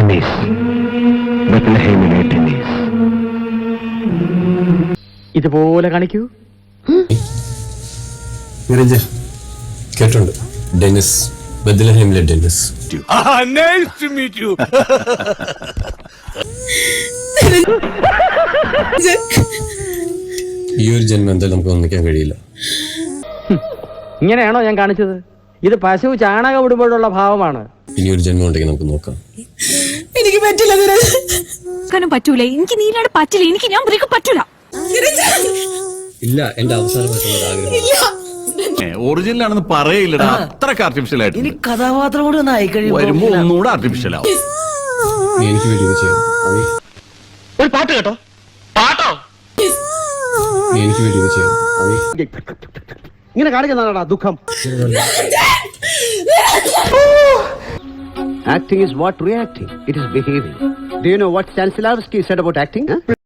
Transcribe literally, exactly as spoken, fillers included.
Tennis, ബത്ലഹേമിലെ Dennis. ഇതുപോലെ കാണിക്കൂ. കേട്ടുണ്ട്, ഡെന്നിസ്, ബത്ലഹേമിലെ ഡെന്നിസ്. ഈ ഒരു ജന്മം എന്തായാലും നമുക്ക് ഒന്നിക്കാൻ കഴിയില്ല. ഇങ്ങനെയാണോ ഞാൻ കാണിച്ചത്? ഇത് പശു ചാണകം ഇടുമ്പോഴുള്ള ഭാവമാണ്. ഇനി ഒരു ജന്മം ഉണ്ടെങ്കിൽ നമുക്ക് നോക്കാം. എനിക്ക് പറ്റില്ല, പറ്റൂല. എനിക്ക് നീനാട് പറ്റില്ല. എനിക്ക് ഞാൻ പറ്റൂല. ഇല്ല, എന്റെ അവസാനമായിട്ടുള്ള ആഗ്രഹം ഒറിജിനൽ ആണെന്ന് പറയില്ലടാ, അത്രക്ക് ആർട്ടിഫിഷ്യൽ ആയിട്ട്. ഇനി കഥാപാത്രം കൂടി ഒന്ന് ആയി വരുമ്പോ ഒന്നുകൂടെ ആർട്ടിഫിഷ്യൽ ആവും. എനിക്ക് വേണ്ടി ചെയ്യാം. ഒരു പാട്ട് കേട്ടോ, പാട്ടോ എനിക്ക് വേണ്ടി ചെയ്യാം. ഇങ്ങനെ കാണിക്കുന്നതാണോ ദുഃഖം? Acting is what reacting. It is behaving. Do you know what Stanislavski said about acting? Huh?